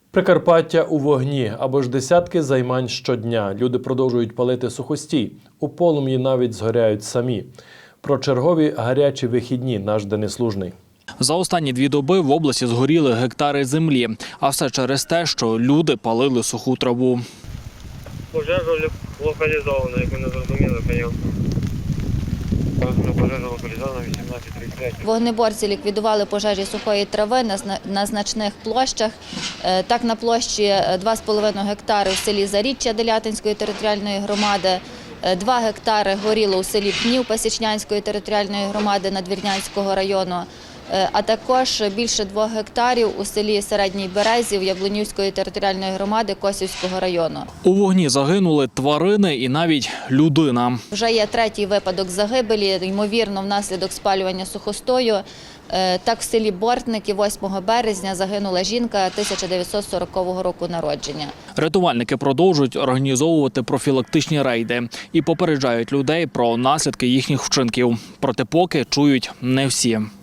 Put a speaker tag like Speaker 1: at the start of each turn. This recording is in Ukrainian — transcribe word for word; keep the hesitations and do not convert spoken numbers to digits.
Speaker 1: Прикарпаття у вогні або ж десятки займань щодня. Люди продовжують палити сухостій. У полум'ї навіть згоряють самі. Про чергові гарячі вихідні наш Денис Лужний.
Speaker 2: За останні дві доби в області згоріли гектари землі. А все через те, що люди палили суху траву.
Speaker 3: Пожежа локалізована, як ми не зрозуміли, звісно. Пожежа локалізована вісімнадцять тридцять три.
Speaker 4: Вогнеборці ліквідували пожежі сухої трави на, зна... на значних площах. Е, Так, на площі два з половиною гектари в селі Заріччя Делятинської територіальної громади, е, два гектари горіло у селі Пнів Пасічнянської територіальної громади Надвірнянського району, е, а також більше двох гектарів у селі Середній Березів Яблунівської територіальної громади Косівського району.
Speaker 2: У вогні загинули тварини і навіть людина.
Speaker 4: Вже є третій випадок загибелі, ймовірно, внаслідок спалювання сухостою. Е, Так, в селі Бортники восьмого березня загинула жінка тисяча дев'ятсот сорокового року народження.
Speaker 2: Рятувальники продовжують організовувати профілактичні рейди і попереджають людей про наслідки їхніх вчинків. Проте поки чують не всі.